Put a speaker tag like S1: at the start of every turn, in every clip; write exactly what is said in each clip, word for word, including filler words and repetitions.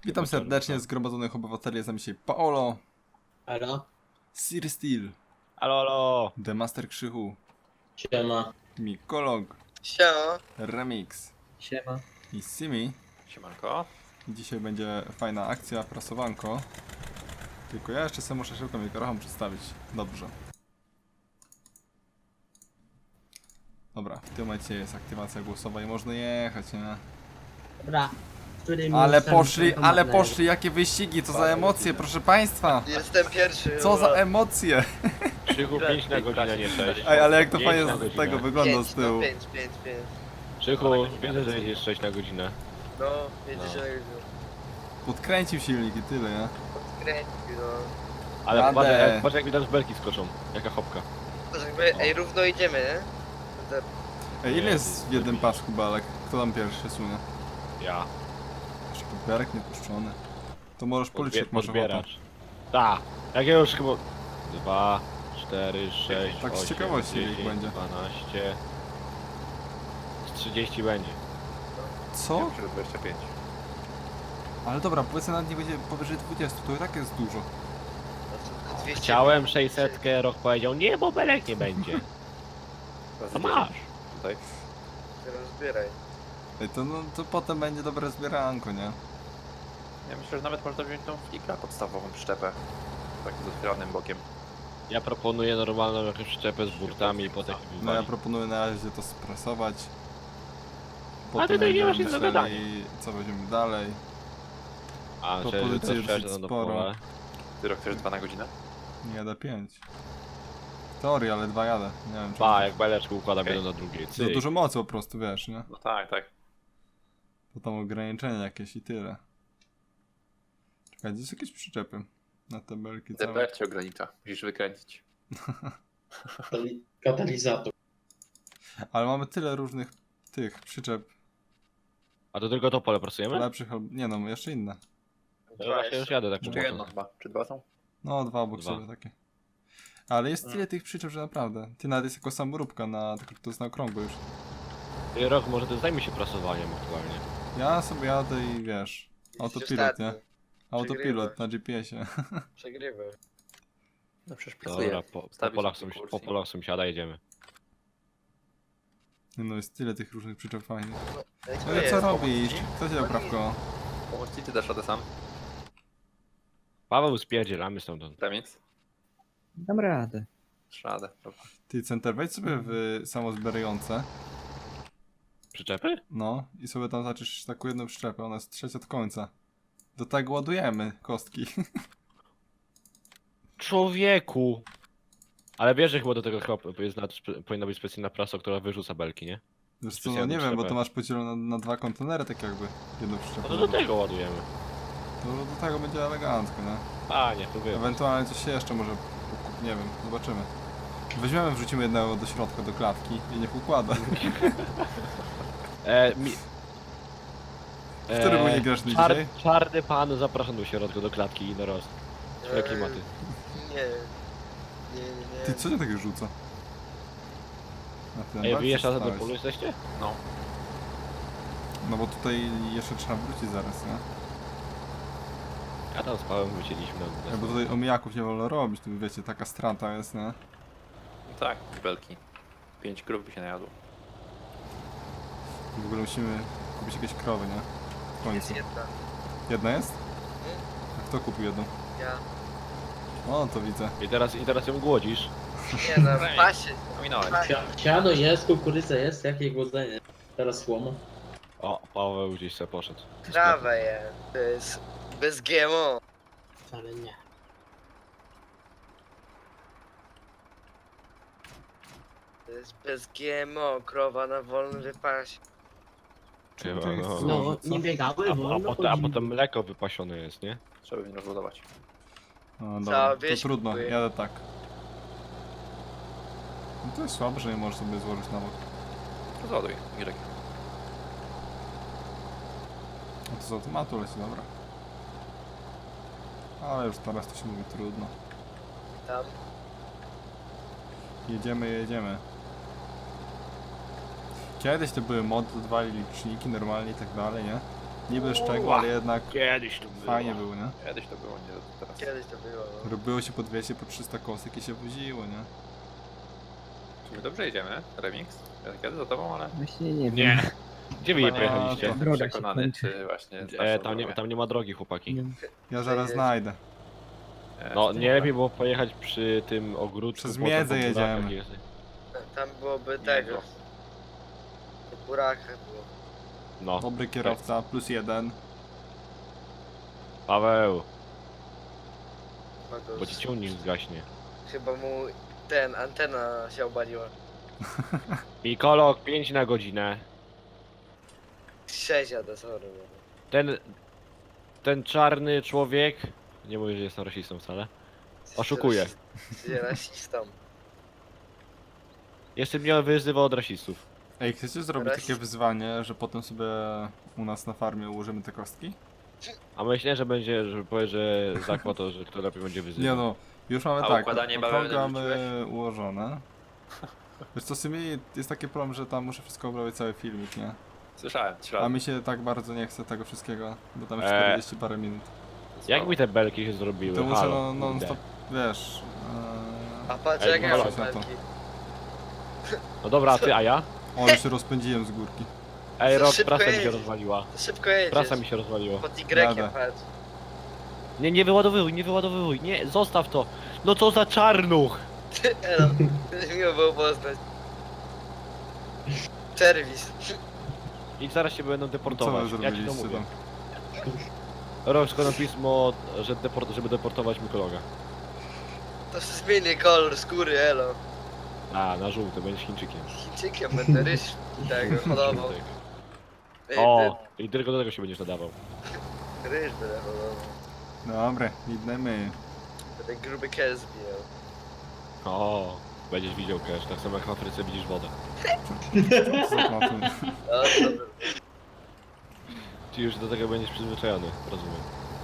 S1: Witam serdecznie zgromadzonych obywateli, jest z nami dzisiaj Paolo,
S2: Halo?
S1: Sir Steel,
S3: Alo, alo!
S1: The Master Krzychu,
S2: Siema.
S1: Mikolog,
S4: Siema.
S1: Remix
S2: Siema.
S1: i Simi.
S3: Siemanko.
S1: Dzisiaj będzie fajna akcja, prasowanko. Tylko ja jeszcze sobie muszę szybko mikrofon przedstawić. Dobrze. Dobra, w tym momencie jest aktywacja głosowa i można jechać, nie?
S2: Dobra. Którym
S1: Ale
S2: miejscem
S1: poszli,
S2: to
S1: ale
S2: ma
S1: poszli, jakie wyścigi, co za emocje, proszę państwa!
S4: Jestem pierwszy.
S1: Co za
S4: ura.
S1: emocje!
S3: Krzychu pięć na godzinę, nie sześć.
S1: Ej, ale jak to
S3: Pięć
S1: fajnie
S3: na
S1: z
S3: godzinę.
S1: tego wygląda
S4: Pięć,
S1: z tyłu.
S4: No, pięć, pięć, pięć.
S3: Krzychu, wiedzę, że jedziesz sześć na godzinę.
S4: No, jedzie
S3: No.
S4: się
S1: Podkręcił silnik i tyle, nie?
S4: podkręcił, no.
S3: Ale
S1: Jadę.
S3: patrz jak, patrz jak widać z belki skoczą. Jaka hopka.
S4: To jakby, ej, równo idziemy, nie? To-
S1: Ej, ile jest w jednym pasku balek? Kto tam pierwszy sunie?
S3: Ja.
S1: Jeszcze podberek niepuszczony. To możesz policzyć, jak masz ochotę.
S3: Podbieracz. Ta. Jak ja już chyba... Dwa, cztery, sześć,
S1: Tak z
S3: osiem,
S1: ciekawości ich
S3: dziesięć,
S1: będzie.
S3: dwanaście... Z trzydzieści będzie.
S1: Co?
S3: dwadzieścia pięć.
S1: Ale dobra, powiedzmy nawet nie będzie powyżej dwudziestu, to i tak jest dużo.
S4: to tylko dwieście.
S3: Chciałem sześćset, rok powiedział, nie, bo belek nie będzie. To masz.
S5: Tutaj.
S4: Rozbieraj.
S1: Ej, to, no, to potem będzie dobre zbieranko, nie?
S5: Ja myślę, że nawet można wziąć tą fligra podstawową przyczepę. Tak z otwieranym bokiem.
S3: Ja proponuję normalną jakąś przyczepę z burtami i potem się
S1: No ja
S3: wywali.
S1: proponuję na razie to sprasować.
S3: A ty to nie masz nic do
S1: myśleli,
S3: gadania.
S1: co weźmiemy dalej.
S3: A, że
S1: propozycji
S3: to
S1: jest
S3: szczerze,
S1: dosyć
S3: no
S1: sporo.
S3: pole.
S5: Ty rok chcesz dwa na godzinę?
S1: Nie jadę pięć. W teorii, ale dwa jadę. Nie wiem, czy
S3: Ba, jak beleczku układam
S5: Okej.
S3: jedno na drugie.
S1: za
S3: Cyk.
S1: dużo mocy po prostu, wiesz, nie?
S5: No tak, tak.
S1: To tam ograniczenia jakieś i tyle. Czekaj, gdzie są jakieś przyczepy? Na te belki
S5: D
S1: całe.
S5: P F cię ogranicza. Musisz wykręcić.
S2: Katali- Katalizator.
S1: Ale mamy tyle różnych tych przyczep
S3: A to tylko to pole pracujemy?
S1: lepszych albo... Nie no, jeszcze inne.
S3: Ja właśnie już jadę tak
S5: Czy
S3: po
S5: jedno
S3: prostu.
S5: chyba? Czy dwa są?
S1: No, dwa obok
S3: Dwa.
S1: sobie takie. Ale jest tyle tych przyczep, że naprawdę. Ty nawet jest jako samoróbka, na, tylko to jest na okrągło już.
S3: Ty rok, może ty zajmij się prasowaniem aktualnie.
S1: Ja sobie jadę i wiesz, autopilot, nie? Autopilot na G P S ie.
S4: Przegrywaj.
S5: No przecież pracuję.
S3: Dobra, po, po,
S5: Stawić
S3: polach,
S5: na
S3: są,
S5: kurs
S3: po
S5: i-
S3: polach sąsiada jedziemy.
S1: No jest tyle tych różnych przyczep fajnych.
S4: Ej,
S1: No
S4: to
S1: ale
S4: jest.
S1: co robisz? Kto cię dał prawko?
S5: Pomóc ci, ty dasz radę sam?
S3: Paweł, spierdzielamy stamtąd.
S5: Remic?
S6: Dam radę.
S5: Dasz radę. Dobra.
S1: Ty center wejdź sobie w samozbierające.
S3: Przyczepy?
S1: No i sobie tam zaczysz taką jedną przyczepę, ona jest trzecia od końca. Do tego ładujemy kostki.
S3: Człowieku! Ale wiesz, że chyba do tego chyba jest na, spe- powinna być specjalna prasa, która wyrzuca belki, nie?
S1: Wiesz co, no
S3: Specjalną
S1: nie wiem, bo
S3: przyczepę.
S1: to masz podzielone na, na dwa kontenery, tak jakby. Jedną
S3: No
S1: przyczepę.
S3: to do tego ładujemy.
S1: To do tego będzie elegancko, nie?
S3: A, nie, to wiem.
S1: Ewentualnie coś się jeszcze może, nie wiem, zobaczymy. Weźmiemy, wrzucimy jednego do środka, do klatki i niech układa.
S3: E, mi...
S1: Który był niegrzeczny
S3: czar,
S1: dzisiaj?
S3: Czarny pan zapraszam do środka, do klatki i na rost. Jakie klimaty.
S4: Nie. Nie, nie, nie.
S1: Ty, co cię tak rzuca? Na ten
S3: Ej,
S1: bak
S3: wy jeszcze raz do
S1: stałeś.
S3: polu jesteście?
S5: No.
S1: No bo tutaj jeszcze trzeba wrócić zaraz, nie?
S3: Ja tam spałem, wycięliśmy na,
S1: Ja,
S3: na
S1: bo tutaj omijaków nie wolno robić, tu wiecie, taka strata jest, nie?
S5: No tak, belki. Pięć krów by się najadło.
S1: I w ogóle musimy kupić jakieś krowy, nie? W
S4: Jest
S1: końcu.
S4: jedna.
S1: Jedna jest? A kto kupił jedną?
S4: Ja.
S1: O, to widzę.
S3: I teraz, I teraz ją głodzisz.
S4: Nie no, w pasie.
S5: Ominąłeś.
S2: Sia- Siano jest, kukurydza jest, jakie głodzenie. Teraz słomo.
S3: O, Paweł gdzieś sobie poszedł.
S4: Trawę jest. To jest bez G M O.
S2: Wcale nie.
S4: To jest bez G M O. Krowa na wolnym wypasie.
S1: Czemu
S3: Chyba,
S1: to nie
S3: no.
S1: chcesz
S2: No,
S1: złożyć, co?
S2: nie biegały,
S3: A, a,
S2: wolno
S3: potem, a
S2: chodzili.
S3: potem mleko wypasione jest, nie?
S5: Trzeba by nie rozbudować.
S1: No
S4: Cała
S1: dobra, to
S4: wieś
S1: trudno,
S4: kupuje.
S1: jadę tak. No to jest słabe, że nie możesz sobie złożyć na bok.
S5: Rozładuj, Mirek.
S1: No to z automatu leci, dobra. Ale już teraz to się mówi trudno.
S4: Tam.
S1: Jedziemy, jedziemy. Kiedyś to były mody, dodawali liczniki normalnie i tak dalej, nie? Niby szczegół, ale jednak
S3: Kiedyś tu było.
S1: fajnie było, nie?
S5: Kiedyś to było, nie teraz.
S4: Kiedyś to było, no.
S1: Robiło się po dwieście, po trzysta kosek i się woziło, nie?
S5: Czy my dobrze jedziemy? Remix? Ja kiedy za tobą, ale...
S6: Właśnie nie wiem.
S3: Nie. Gdzie wy je
S5: Chyba nie
S3: pojechaliście?
S5: jestem
S6: Droga się
S5: przekonany,
S6: kończy.
S5: czy właśnie...
S3: E,
S5: starszą
S3: tam, nie,
S5: drogę.
S3: tam nie ma drogi, chłopaki.
S6: Nie.
S1: Ja zaraz
S4: Jedzie.
S1: znajdę.
S5: E,
S3: No,
S5: czy
S3: nie lepiej było pojechać przy tym ogródku.
S1: Przez
S3: potem
S1: miedzę
S3: po burakach
S1: jedziemy.
S3: jest.
S4: Tam byłoby
S5: Nie,
S4: tego.
S5: no.
S4: W burakach było.
S3: No,
S1: Dobry kierowca, plus jeden.
S3: Paweł,
S4: Chyba, go
S3: bo ci ciągnik zgaśnie.
S4: chyba mu ten, antena się obaliła.
S3: Mikolog, pięć na godzinę.
S4: sześć jadę, sorry. no.
S3: Ten, ten czarny człowiek, nie mówię, że jestem rasistą wcale, oszukuje.
S4: Jest rasistą.
S3: Jeszcze mnie wyzywał od rasistów.
S1: Ej, chcecie zrobić
S4: Raz-
S1: takie wyzwanie, że potem sobie u nas na farmie ułożymy te kostki?
S3: A myślę, że będzie, że powie, że zakład to, że kto lepiej będzie wyzywał.
S1: Nie no, już mamy
S5: A
S1: tak,
S5: układanie bawełny
S1: okrągłe mamy
S5: wrzuciłeś?
S1: ułożone. Wiesz co, w sumie jest taki problem, że tam muszę wszystko obrobić, cały filmik, nie?
S5: Słyszałem, trzy
S1: A
S5: razy.
S1: mi się tak bardzo nie chce tego wszystkiego, bo tam
S3: Eee.
S1: czterdzieści parę minut.
S3: Jak mi te belki się zrobiły?
S1: To muszę
S3: Halo,
S1: no, non
S3: kurde.
S1: stop, wiesz...
S4: A patrz
S3: Ej,
S4: jak ja
S3: halo.
S4: mam
S1: Na to.
S4: belki.
S3: No dobra, a ty, a ja?
S1: O, już się rozpędziłem z górki.
S3: Ej,
S4: Za
S3: rok,
S4: szybko
S3: prasa mi się
S4: jedziesz.
S3: rozwaliła.
S4: Szybko jedziesz.
S3: Prasa mi się rozwaliła.
S4: Pod
S1: Jadę.
S4: Y patrz.
S3: Nie, nie wyładowywuj, nie wyładowywuj, nie, zostaw to. No co za czarnuch!
S4: Elo, miło było poznać. Serwis.
S3: I zaraz się będą
S1: Co
S3: deportować.
S1: wy
S3: Ja ci to
S1: zrobiliście
S3: mówię.
S1: tam?
S3: Rok składam pismo, że deport, żeby deportować Mikologa.
S4: To się zmieni kolor skóry, elo.
S3: A, na żółty, będziesz Chińczykiem.
S4: Chińczykiem będę ryż tego hodował.
S3: Żółtek.
S4: Ej,
S3: O, i tylko do tego się będziesz nadawał.
S4: ty, ryż będę hodował.
S1: Dobra, idemy.
S4: Będę gruby kes bijał.
S3: O, będziesz widział cash, tak samo jak w Afryce widzisz wodę.
S1: Co za kłamstwo.
S4: O, dobra.
S3: Czy już do tego będziesz przyzwyczajony, rozumiem.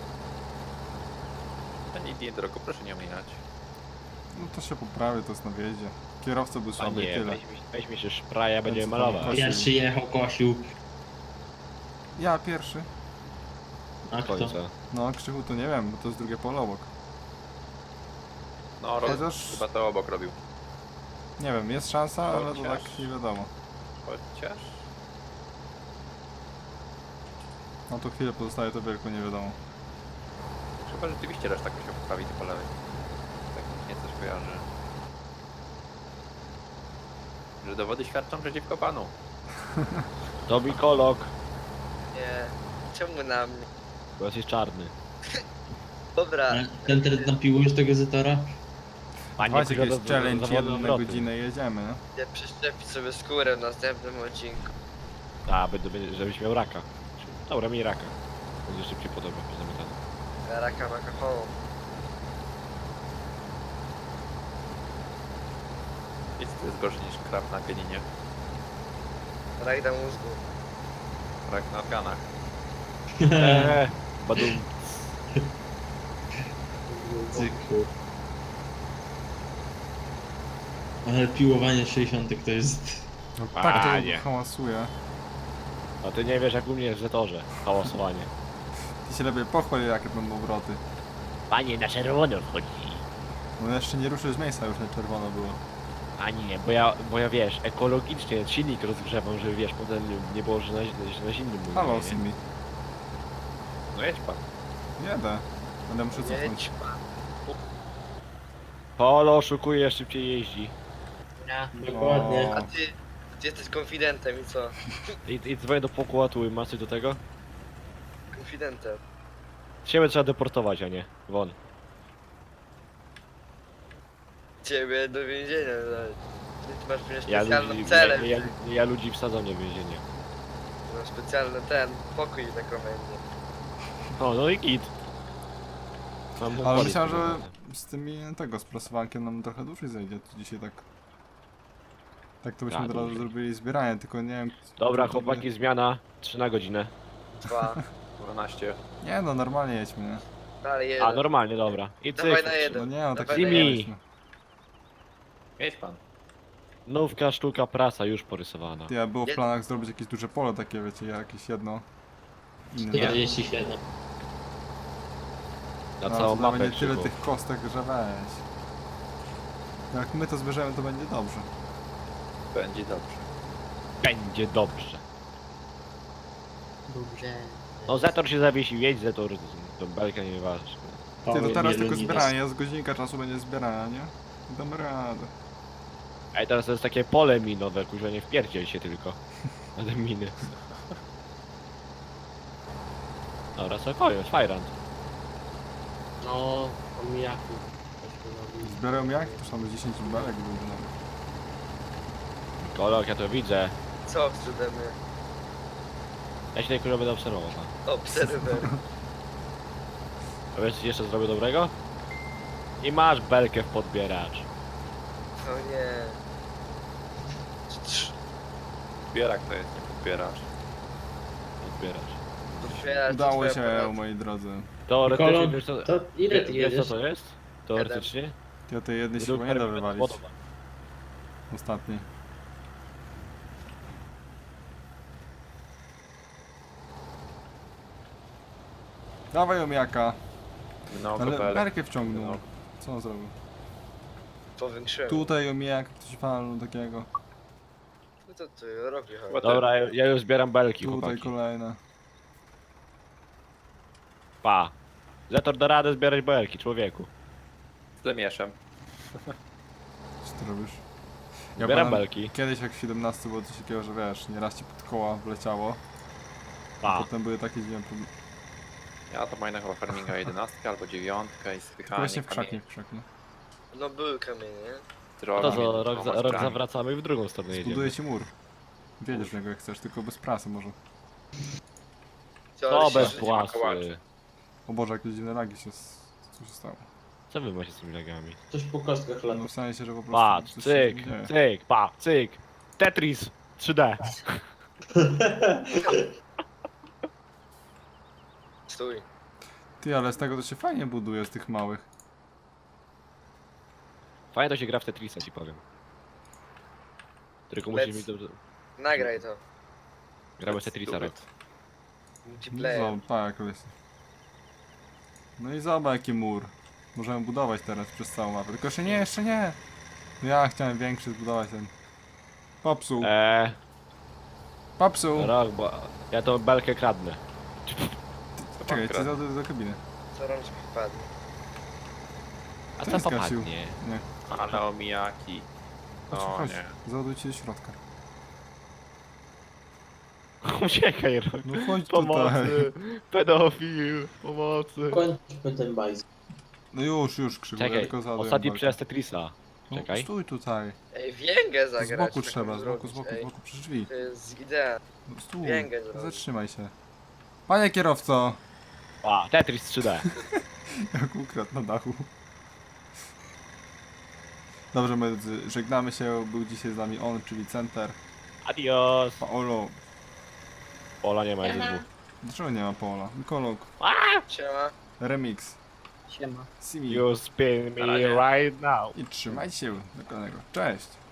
S5: To nie idzie drogo, proszę nie ominąć.
S1: No to się poprawi, to jest na wjeździe. Kierowca był
S3: A
S1: słaby i
S3: nie,
S1: tyle.
S3: weź, weźmy się szpraja, będziemy
S1: co tam
S3: malować.
S1: chodzi?
S2: Pierwszy jechał, kosił.
S1: Ja pierwszy.
S2: A
S3: Do
S2: kto?
S3: końca.
S1: No, Krzychu to nie wiem, bo to jest drugie pole obok.
S5: No, roz...
S1: Chociaż-
S5: chyba to obok robił.
S1: Nie wiem, jest szansa, ale to
S5: Chociaż-
S1: tak nie wiadomo.
S5: Chociaż...
S1: No to chwilę pozostaje to wielko nie wiadomo.
S5: Chyba rzeczywiście reszta jakoś się poprawi po lewej. Tak mi się coś kojarzy. Że dowody świadczą przeciwko panu.
S3: To Mikolog,
S4: Nie. Czemu na mnie?
S3: bo jesteś czarny.
S4: Dobra.
S2: Ten teraz napiłujesz tego Zetora?
S3: A
S1: Dawajcie
S3: kurwa,
S1: jakieś
S3: do- do-
S1: challenge,
S3: zawodne
S1: jeden na
S3: obroty.
S1: godzinę i jedziemy, nie?
S4: Ja przeszczepić sobie skórę w następnym odcinku.
S3: A, będę, będzie- żebyś miał raka. Dobra, miej raka. Będzie szybciej po tobie, pozamiatany.
S4: Ja raka alkoholu.
S5: Nic to jest gorsze niż krab na pianinie.
S4: Rak na mózgu.
S5: Rak na organach.
S3: Eee, badum.
S2: Cyklu. Ale piłowanie sześćdziesiąt to jest...
S1: No
S3: A,
S1: tak to
S3: nie.
S1: hałasuje.
S3: A ty nie wiesz jak u mnie w Zetorze. Hałasowanie.
S1: Ty się lepiej pochwal, jakie będą obroty.
S3: Panie, na czerwono wchodzi.
S1: No jeszcze nie ruszył z miejsca, już na czerwono było.
S3: A nie, bo ja, bo ja wiesz, ekologicznie silnik rozgrzewam, żeby wiesz, potem nie było, że na, że na zimnym mówię,
S1: Halo,
S3: nie?
S1: Simi.
S5: No jedź pan.
S1: Jedę. Będę muszę cofnąć.
S4: Jedź pan.
S3: Polo oszukuje, szybciej jeździ.
S2: Dokładnie.
S4: A ty, ty jesteś konfidentem i co?
S3: I, i dzwonię do pokładu, masz coś do tego?
S4: Konfidentem.
S3: Ciebie trzeba deportować, a nie. Won.
S4: Ciebie do więzienia dać. Ty masz przecież
S3: Ja
S4: specjalną
S3: ludzi,
S4: celę.
S3: ja, ja, ja ludzi wsadzam nie w więzienie.
S4: Masz specjalny ten pokój na komendzie.
S3: O, no i git. Mam
S1: Ale
S3: polic
S1: myślałem, że
S3: prowadzę.
S1: z tymi tego, z prasowankiem nam trochę dłużej zejdzie. To dzisiaj tak... Tak to byśmy
S3: Tak,
S1: od razu
S3: dłużej.
S1: zrobili zbieranie, tylko nie wiem...
S3: Dobra,
S1: to by-
S3: chłopaki, zmiana. trzy na godzinę.
S4: Dwa.
S5: dwanaście.
S1: Nie no, normalnie jedźmy, nie?
S4: Dalej
S3: A,
S4: jeden.
S3: normalnie, dobra. I
S4: Dawaj
S3: cyk.
S4: na jeden.
S1: No nie no, tak
S4: Dawaj
S3: na
S1: nie
S3: jeden.
S1: jedźmy.
S5: Jedź pan.
S3: Nówka sztuka prasa już porysowana.
S1: Ja było w
S4: Jed-
S1: planach zrobić jakieś duże pole takie, wiecie, jakieś jedno. inne.
S2: czterdzieści siedem.
S3: Na
S1: No,
S3: całą
S1: to
S3: mapę
S1: będzie tyle
S3: krzywo.
S1: tych kostek, że weź. Jak my to zbierzemy, to będzie dobrze.
S5: Będzie dobrze.
S3: Będzie dobrze.
S2: Dobrze.
S3: No Zetor się zawiesił, jedź Zetor, to belka nie waży.
S1: Ty, to teraz tylko zbieranie, z godzinka czasu będzie zbierania, nie? Damy radę.
S3: Ej, teraz to jest takie pole minowe, kurwa, nie wpierdziel się tylko. Na te miny. Dobra, co koniec, Fajrant.
S2: No, omijaki.
S1: Zbierają jak? To są dziesięć belek były nawet.
S3: Kolok, ja to widzę.
S4: Co wstrzymamy?
S3: Ja się tej kurwa będę obserwował. tak.
S4: Obserwer.
S3: A wiesz, co jeszcze zrobię dobrego? I masz belkę w podbieracz.
S4: O nie. Trz-
S5: Zbierak to jest, nie podbieracz.
S3: Podbieracz.
S4: Otwierać
S1: Udało
S4: twoje
S1: się,
S4: aparaty.
S1: moi drodzy.
S3: Teoretycznie,
S2: Kolok,
S3: wiesz co,
S2: to ile ty
S3: wie- wiesz co
S2: jedziesz?
S3: to jest? Teoretycznie?
S1: Ja tej jednej się
S3: Według
S1: chyba nie da
S3: terminu
S1: wywalić.
S3: wodowa.
S1: Ostatniej. Dawaj omiaka.
S5: No,
S1: Ale
S5: kopelek.
S1: belkę wciągnął.
S5: No.
S1: Co on zrobił?
S4: Powiększyłem.
S1: Tutaj omijak, ktoś walnął takiego.
S4: No to ty robi chodź.
S5: What?
S3: Dobra, ja ja już zbieram belki,
S1: Tutaj
S3: chłopaki.
S1: kolejna.
S3: Pa. Zetor da radę zbierać belki, człowieku.
S5: Z lemieszem.
S1: Co ty robisz?
S3: Zbieram
S1: pamię-
S3: belki.
S1: Kiedyś jak w siedemnastce było coś takiego, że wiesz, nieraz ci pod koła wleciało.
S3: Pa.
S1: Potem były takie dziwne problemy.
S5: Ja to mam chyba farminga jedenastkę albo dziewiątkę i spychanie
S1: Właśnie w
S5: kamieni.
S1: krzaki, w krzaki.
S4: No były kamienie, nie?
S3: No
S5: Droga
S3: to co,
S5: między
S3: rok, za,
S5: dwoma
S3: rok
S5: strami.
S3: zawracamy i w drugą stronę jedziemy.
S1: Zbuduję ci mur. Wiedziesz w niego jak chcesz, tylko bez prasy może.
S4: Co,
S3: To
S4: ale się
S3: bez
S4: życie-
S3: płasy.
S5: kołaczy.
S1: O Boże, jakieś dziwne lagi się... s- Co się stało?
S3: Co wy macie z tymi lagami?
S2: Coś po kostkach lata.
S1: No w sensie, że po prostu...
S3: Patrz,
S1: coś się
S3: cyk,
S1: dzieje.
S3: cyk, pa, cyk. Tetris trzy D.
S4: Stój.
S1: Ty, ale z tego to się fajnie buduje, z tych małych.
S3: Fajnie to się gra w Tetrisa, ci powiem. Tylko musisz
S4: Let's-
S3: mieć dobrze...
S4: Nagraj to.
S3: Gramy w Tetrisa, rok.
S4: Multiplayer.
S1: No, tak, jest. No i zobacz jaki mur. Możemy budować teraz przez całą mapę. Tylko jeszcze nie, jeszcze nie! No ja chciałem większy zbudować ten. Popsuł,
S3: Eee,
S1: popsuł!
S3: rok, bo ja tą belkę kradnę.
S1: Czekaj, chcę do, do kabiny.
S4: Co rączki wpadnie.
S3: A
S1: Co
S3: co
S1: mi skasił?
S3: popadnie?
S1: Nie.
S5: Ale omijaki.
S1: Chodź,
S5: O
S1: chodź.
S5: nie.
S1: Załaduj ci do środka.
S3: Uciekaj, rok.
S1: No chodź tutaj.
S3: Pomocy, pedofil, pomocy.
S2: Kończmy ten bajs.
S1: No już, już krzywo, ja
S3: Czekaj,
S1: tylko załaduję
S3: ostatni
S1: walkę.
S3: przez Tetrisa.
S1: No,
S3: Czekaj.
S1: stój tutaj.
S4: Ej, więgę
S1: Z
S4: zagrać.
S1: boku
S4: taką
S1: trzeba, z boku, z
S4: zrobić,
S1: boku,
S4: ej.
S1: z boku, przy drzwi.
S4: To jest idea.
S1: No, stój,
S4: Więgę zrobić.
S1: zatrzymaj się. Panie kierowco!
S3: A, Tetris trzy D.
S1: Jak ukradł na dachu. Dobrze, moi drodzy, żegnamy się. Był dzisiaj z nami on, czyli Center.
S3: Adios.
S1: Paolo.
S3: Pola nie ma, jest dwóch.
S1: Dlaczego nie ma Paola? Mikolog.
S4: Siema.
S1: Remix.
S6: Siema.
S1: Simi.
S3: You spin
S5: Na
S3: me
S5: razie.
S3: right now.
S1: I trzymajcie się do kolejnego. Cześć!